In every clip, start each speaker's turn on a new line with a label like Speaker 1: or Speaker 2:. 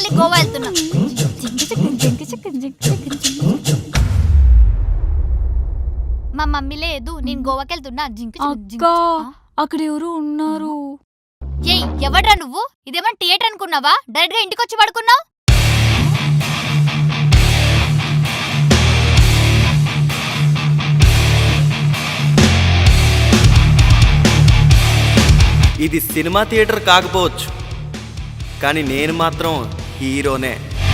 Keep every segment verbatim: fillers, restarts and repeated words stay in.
Speaker 1: మళ్ళీ గోవా వెళ్తున్నా. మా మమ్మీ లేదు, నేను గోవాకి వెళ్తున్నా. జింక
Speaker 2: అక్క అక్కడ ఎవరు ఉన్నారు.
Speaker 1: ఏయ్ ఎవడ్రా నువ్వు? ఇదేమన్నా థియేటర్ అనుకున్నావా? డైరెక్ట్ గా ఇంటికి వచ్చి పడుకున్నావు.
Speaker 3: ఇది సినిమా థియేటర్ కాకపోవచ్చు, కానీ నేను మాత్రం హీరోనే.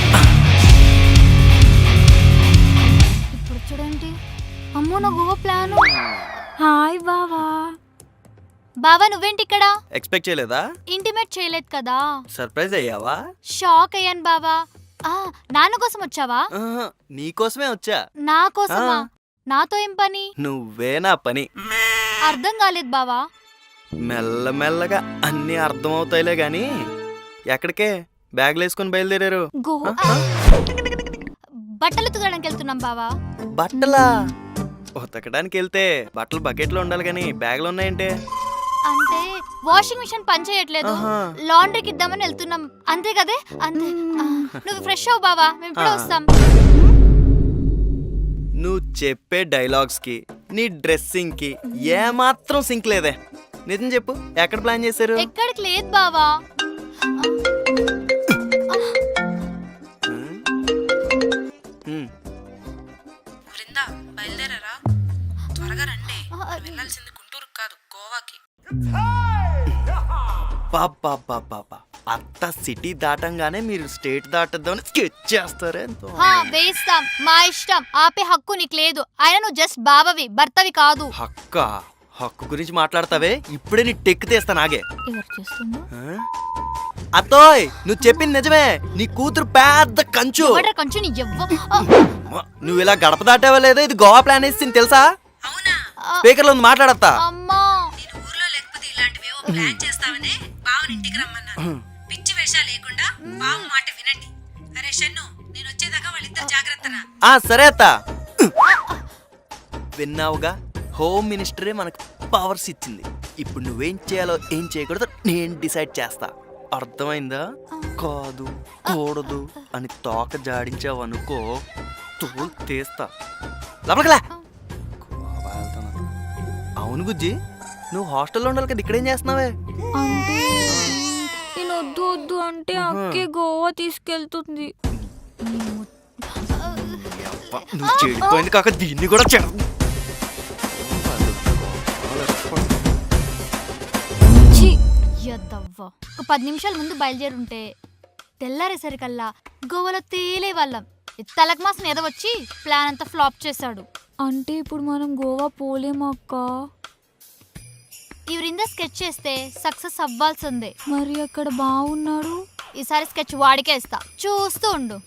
Speaker 1: ఇప్పుడు చూడండి, అమ్మో నా గోవా ప్లాను.
Speaker 2: హాయ్ బావా.
Speaker 1: బావా నువ్వేంటి ఇక్కడ?
Speaker 3: ఎక్స్పెక్ట్ చేయలేదా?
Speaker 1: ఇంటిమేట్ చేయలేదు కదా.
Speaker 3: సర్ప్రైజ్ అయ్యావా?
Speaker 1: షాక్ అయ్యాను బావా. ఆ నాన్న కోసం వచ్చావా?
Speaker 3: ఆహా, నీకోసమే వచ్చా.
Speaker 1: నా కోసమా?
Speaker 3: ఆ.
Speaker 1: నాతో ఏం పని?
Speaker 3: నువ్వే నా పని.
Speaker 1: అర్థం కాలేదు బావా.
Speaker 3: మెల్లమెల్లగా అన్నీ అర్థమవుతాయిలే గాని ఎక్కడికే బ్యాగ్లు వేసుకుని బయలుదేరారు?
Speaker 1: గోవా బట్టలు ఉతకడానికి వెళ్తున్నాం బావా.
Speaker 3: బట్టలా? ఉతకడానికి వెళ్తే బట్టలు బకెట్లో ఉండాలి కానీ బ్యాగ్లు ఉన్నాయంటే?
Speaker 1: అంటే వాషింగ్ మిషన్ పని చేయట్లేదు,
Speaker 3: ఆహా.
Speaker 1: లాండ్రీకి ఇద్దామని వెళ్తున్నాం అంతే కదే. అంతే. ఆ, నువ్వు ఫ్రెష్ అవ్వు బావా, మేము ఇప్పుడే
Speaker 3: ఆ.
Speaker 1: వస్తాం.
Speaker 3: నువ్వు చెప్పే డైలాగ్స్ కి నీ డ్రెస్సింగ్ కి ఏమాత్రం సింక్ లేదే. నిజం చెప్పు, ఎక్కడ ప్లాన్ చేశారు?
Speaker 1: ఎక్కడికి లేదు బావా.
Speaker 3: హ్మ్.
Speaker 4: బృందా బయలుదేరారా? త్వరగా రండి. వెళ్ళాల్సింది గుంటూరుకు కాదు, గోవాకి.
Speaker 3: బాబా అత్త సిటీ దాటంగానే మీరు స్టేట్ దాటద్దామని స్కెచ్ చేస్తారే.
Speaker 1: హా, వేస్తాం, మా ఇష్టం. ఆపే హక్కు నీకు లేదు. ఆయన నువ్వు జస్ట్ బావవి, భర్తవి కాదు.
Speaker 3: హక్క హక్కు గురించి మాట్లాడతావే, ఇప్పుడే నీ టెక్ తీస్తా నాగే.
Speaker 1: ఎవరు చేస్తుందో?
Speaker 3: ఆ? అత్తోయ్ నువ్వు చెప్పింది నిజమే, నీ కూతురు పెద్ద కంచు.
Speaker 1: ఎవడ్రా కొంచెం నీ ఎవ్వ.
Speaker 3: నువ్వు ఇలా గడప దాటావా లేదో, ఇది గోవా ప్లాన్ వేసింది తెలుసా?
Speaker 4: అవునా?
Speaker 3: స్పీకర్ లో ఉంది, మాట్లాడతా.
Speaker 1: అమ్మా
Speaker 4: నేను ఊర్లో లేకపోతే ఇలాంటివేవో ప్లాన్ చేస్తావనే బావని ఇంటికి రమ్మన్నాను. పిచ్చి వేషాలు లేకుండా బావ మాట వినండి. అరే షన్ను, నేను వచ్చేదాకా వాళ్ళిద్దరు జాగ్రత్తరా.
Speaker 3: ఆ సరే అత్త. విన్నావుగా, హోమ్ మినిస్టరే మనకు పవర్స్ ఇచ్చింది. ఇప్పుడు నువ్వేం చేయాలో ఏం చేయకూడదో నేను డిసైడ్ చేస్తా. అర్థమైందా? కాదు కూడదు అని తోక జాడించావు అనుకో, తోలు తీస్తా. లోపలికిలా. అవును గుజ్జి, నువ్వు హాస్టల్లో ఉండాలి కదా, ఇక్కడేం చేస్తున్నావే?
Speaker 2: అంటే నేను వద్దు వద్దు అంటే అక్కే గోవా తీసుకెళ్తుంది.
Speaker 3: అబ్బా, నువ్వు చెడిపోయింది కాక దీన్ని కూడా చెడ.
Speaker 1: యద్దవ్వ. ఒక పది నిమిషాల ముందు బయలుదేరుంటే తెల్లారేసరికల్లా గోవాలో తేలే వాళ్ళం. తలకు మాసం ఎదవచ్చి ప్లాన్ అంతా ఫ్లాప్ చేశాడు.
Speaker 2: అంటే ఇప్పుడు మనం గోవా పోలేమా అక్క?
Speaker 1: ఈ వృంద స్కెచ్ చేస్తే సక్సెస్ అవ్వాల్సిందే.
Speaker 2: మరి అక్కడ బాగున్నాడు.
Speaker 1: ఈసారి స్కెచ్ వాడికే ఇస్తా, చూస్తూ ఉండు.